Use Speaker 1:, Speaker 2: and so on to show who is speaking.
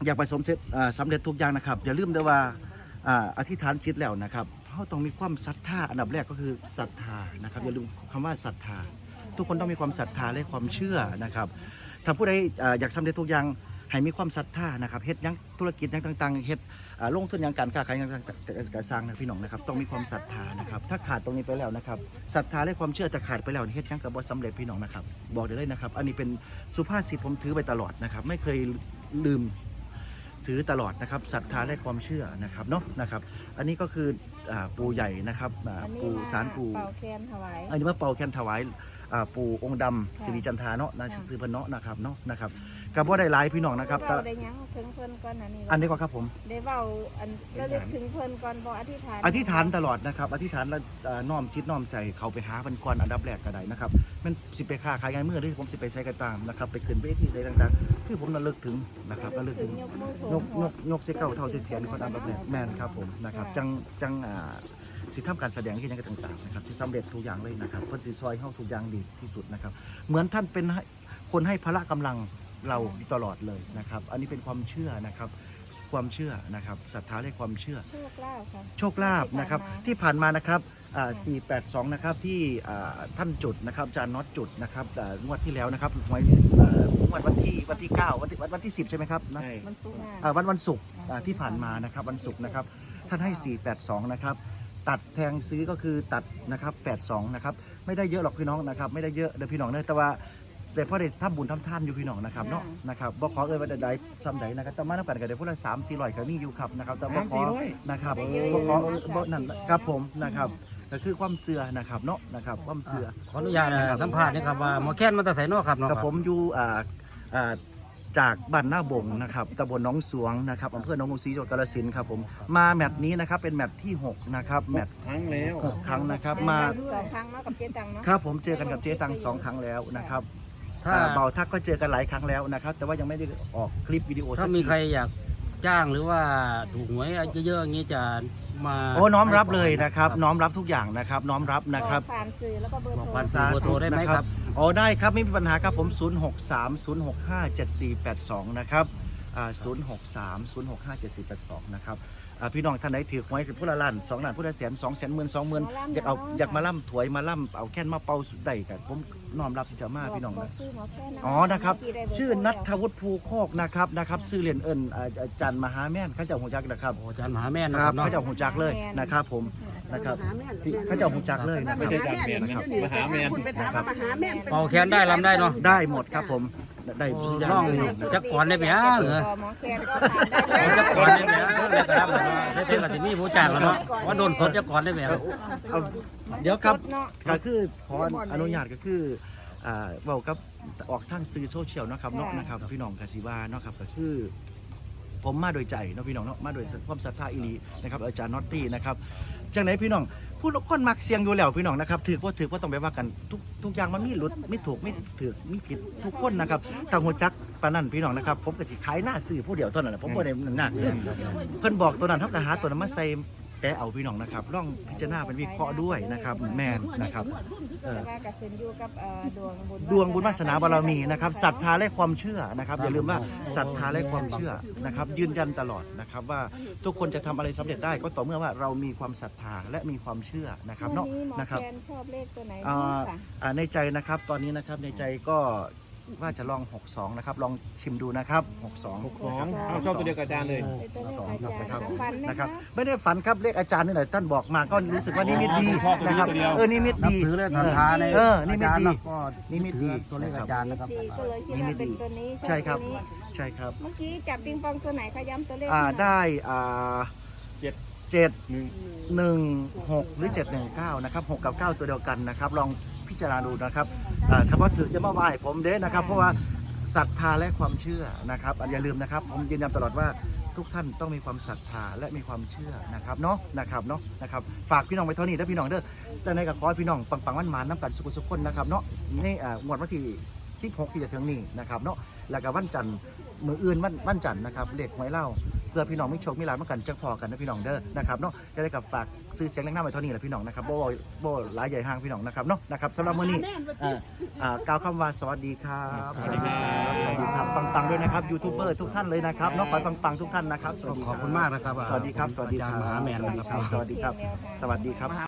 Speaker 1: อยากไปสำเร็จทุกอย่างนะครับอย่าลืมด้วยว่าอธิษฐานจิตแล้วนะครับเขาต้องมีความศรัทธาอันดับแรกก็คือศรัทธานะครับอย่าลืมคำว่าศรัทธาทุกคนต้องมีความศรัทธาและความเชื่อนะครับถ้าผู้ใดอยากสำเร็จทุกอย่างให้มีความศรัทธานะครับเฮ็ดยังธุรกิจยังต่างๆเฮ็ดลงทุนยังการค้าขายยังการสร้างนะพี่น้องนะครับต้องมีความศรัทธานะครับถ้าขาดตรงนี้ไปแล้วนะครับศรัทธาและความเชื่อแต่ขาดไปแล้วเฮ็ดยังกับบ่สำเร็จพี่น้องนะครับบอกได้เลยนะครับอันนี้เป็นสุภาษิตผมถือไปตลอดนะครับไม่เคยลืมถือตลอดนะครับศรัทธาและความเชื่อนะครับเนาะนะครับอันนี้ก็คือปู่ใหญ่นะครับปู่ศาลปู่
Speaker 2: เป่าแคนถวาย
Speaker 1: อันนี้ว่าเป่าแคนถวายปู่องค์ดำสิริจันทราเนาะนะซื้อพเนาะนะครับเนาะนะครับกับว่าได้หลายพี่น้องนะครับ
Speaker 2: เราได้ยังถึงเพิ่นก่อน
Speaker 1: อันนี้ก็ครับผม
Speaker 2: ได้เว้าอันระลึกถึงเพิ่นก่อนบ่อธิษฐาน
Speaker 1: อธิษฐานตลอดนะครับอธิษฐานแล้วน้อมจิตน้อมใจเขาไปหาเพิ่นก่อนอันดับแรกก็ได้นะครับมันสิไปค้าขายงานเมื่อหรือผมสิไปใส่กระตามนะครับไปขึ้นเวทีใส่ต่างๆคือผมระลึกถึงนะครับระลึกถึงยกเจ้าเก่าเท่าเสียนคนอันดับแรกแม่นครับผมนะครับจังสิทำการแสดงที่นั่นก็ต่างๆนะครับสิสำเร็จทุกอย่างเลยนะครับเพิ่นสิซอยเข้าทุกอย่างดีที่สุดนะครับเหมือนท่านเป็นคนให้พละกำลังเราตลอดเลยนะครับอันนี้เป็นความเชื่อนะครับความเชื่อนะครับศรัทธาในความเชื่อ
Speaker 2: โชคลาภครับ
Speaker 1: โชคลาภนะครับที่ผ่านมานะครับ482นะครับที่ท่านจุดนะครับอาจารย์น็อตจุดนะครับงวดที่แล้วนะครับงวดวันที่9วันที่10ใช่ไหมครับนะ
Speaker 2: วันศุกร์
Speaker 1: วันศุกร์ที่ผ่านมานะครับวันศุกร์นะครับท่านให้482นะครับตัดแทงซื้อก็คือตัดนะครับ82นะครับไม่ได้เยอะหรอกพี่น้องนะครับไม่ได้เยอะเดี๋ยวพี่น้องเนอะแต่ว่าแต่พ่อได้ทำบุญทำท่านอยู่พี่น้องนะครับเนาะนะครับบ่ขอว่าใดซ้ำใดนะครับแต่มาน้ำกันกันเดี๋ยวพวกเรา300-400ก็มีอยู่ครับนะครับแต่บ่ขอนะครับบ่ขอบ่นั่นครับผมนะครับก็คือความเสื่อนะครับเนาะนะครับความเสื่อ
Speaker 3: ขออนุญาตสัมภาษณ์นะครับว่าหมอแค้นมันจะใส่นอกครับเนาะ
Speaker 1: กับผมอยู่จากบ้านหน้าบงนะครับตำบลหนองสวงนะครับอำเภอหนองกรุงศรีจังหวัดกาฬสินธุ์ครับผมมาแมตช์นี้นะครับเป็นแมตช์ที่6นะครับแมตช์
Speaker 4: ครั้งแล้ว
Speaker 1: 6 ครั้งนะครับมา
Speaker 2: 2 ครั้งกับเจ๊ตังเนาะ
Speaker 1: ครับผมเจอกันกับเจ๊ตัง2 ครั้งแล้วนะครับถ้าเบาทักก็เจอกันหลายครั้งแล้วนะครับแต่ว่ายังไม่ได้ออกคลิปวิดีโอ
Speaker 3: ถ้ามีใครอยากจ้างหรือว่าถูกหวยเยอะๆอย่างนี้จะมา
Speaker 1: น้อมรับเลยนะครับน้อมรับทุกอย่างนะครับน้อมรับนะครับ
Speaker 2: ผ่านสื่อแล้วก็เบอร์โทร
Speaker 3: ผ่านสื่อเบอร์โทรได้ไหมครับ
Speaker 1: ได้ครับไม่มีปัญหาครับผม0630657482นะครับ0630657482นะครับพี่น้องท่านไหนถือหวยคือผู้ละล้าน2 ล้านผู้ละแสน2 แสนหมื่น20,000อยากมาล่ำถวยมาล่ำเอาแค่นมาเป่าสุดใดกันผมน้อมรับที่จะมาพี่น้องนะนะครับชื่อนัทวุฒิภูโคกนะครับชื่อเรียนอาจารย์มหาแม่นข้าเจ้าหูจักนะครับ
Speaker 3: อาจารย์มหาแม่น
Speaker 1: นะครับข้าเจ้าหูจักเลยนะครับผมนะครับข้าเจ้าหูจักเลยนะ
Speaker 4: ไม่ใช่อาจารย์แมนนะครับมหาแมน
Speaker 3: เป่าแค้นได้ลำได้เนาะ
Speaker 1: ได้หมดครับผมได้
Speaker 3: ร่องจักก่อนได้ไหมเหรอ
Speaker 2: หมอแคนก็ผ่านได้
Speaker 3: จักก่อนได้ไหมได้ครับได้เป็นกับที่นี่ผู้จ้างแล้วเนาะว่าโดนสดจักก่อนได้ไหม
Speaker 1: เดี๋ยวครับก็คือขออนุญาตก็คือเว้ากับออกทางสื่อโซเชียลนะครับเนาะนะครับพี่น้องกสิวาเนาะครับก็คือผมมาโดยใจเนาะพี่น้องเนาะมาโดยความศรัทธาอีหลีนะครับอาจารย์น็อตตี้นะครับจังไหนพี่น้องผู้คนมักเสียงอยู่แล้วพี่น้องนะครับถือว่าต้องไปว่ากันทุกอย่างมันมีหลุดไม่ถูกไม่ถือไม่ผิดทุกคนนะครับต่างหัวจักปานั่นพี่น้องนะครับผมก็สิขายหน้าสื่อผู้เดียวเท่านั้นผมบ่ได้หน้าเพิ่นบอกตัวนั้นเท่ากับหาตัวนั้นมาใส่แต่เอาพี่น้องนะครับลองพิจารณาเป็นวิเคราะห์ด้วยนะครับแม่นนะครับดวงบุญวาสนาบารมีนะครับศรัทธาและความเชื่อนะครับอย่าลืมว่าศรัทธาและความเชื่อนะครับยืนยันตลอดนะครับว่าทุกคนจะทำอะไรสำเร็จได้ก็ต่อเมื่อว่าเรามีความศรัทธาและมีความเชื่อนะครับเนาะนะครับ
Speaker 2: ชอบเลขตัวไหน
Speaker 1: ในใจนะครับตอนนี้นะครับในใจก็ว่าจะลอง62นะครับลองชิมดูนะครับ
Speaker 4: ชอบตัวเดียวกับอาจารย์เลย
Speaker 1: นะครับไม่ได้ฝันครับเลขอาจารย์นี่แหละท่านบอกมาก็รู้สึกว่านิมิตดีนะครับนิมิตดี
Speaker 3: ถือเลยศรัทธาใน
Speaker 1: นิมิตดี
Speaker 3: นิมิตดีตัวเลขอาจารย์นะครับ
Speaker 1: นิมิตดีใช่ครับใช่ครับ
Speaker 2: เมื่อกี้จับปิงปองตัวไหนคะย้ำตัวเลข
Speaker 1: ได้716หรือ719นะครับ6กับ9ตัวเดียวกันนะครับลองพิจารณาดูนะครับคำว่าถือจะมาไหว้ผมเด้นะครับเพราะว่าศรัทธาและความเชื่อนะครับอย่าลืมนะครับผมยืนยันตลอดว่าทุกท่านต้องมีความศรัทธาและมีความเชื่อนะครับเนาะนะครับฝากพี่น้องไว้เท่านี้ถ้าพี่น้องเด้อจะในกับขอให้พี่น้องปังๆมันน้ำกันสุขคนนะครับเนาะนี่งวดวันที่16ที่จะถึงนี้นะครับเนาะแล้วก็วันจันทร์มืออื่นวันจันทร์นะครับเลขหวยเล่าเพื่อพี่น้องมีโชคมีลาภเหมือนกันจังพอกันนะพี่น้องเด้อนะครับเนาะจะได้กับฝากซื้อเสียงแรงหน้าไว้เท่านี้แหละพี่น้องนะครับบ่หลายใหญ่ห้างพี่น้องนะครับเนาะนะครับสำหรับมื้อนี้กล่าวคำว่าสวัสดีครับสวัสดีครับปังๆด้วยนะครับยูทูบเบอร์ทุกท่านเลยนะครับเนาะขอให้ปังๆทุกท่านนะครับสวัสดี
Speaker 3: ขอบคุณมากนะครับ
Speaker 1: สวัสดีครับสวัสดีค
Speaker 3: อา
Speaker 1: รับ
Speaker 3: จารย์มหาแมนนะครับ
Speaker 1: สวัสดีครับสวัสดีครับ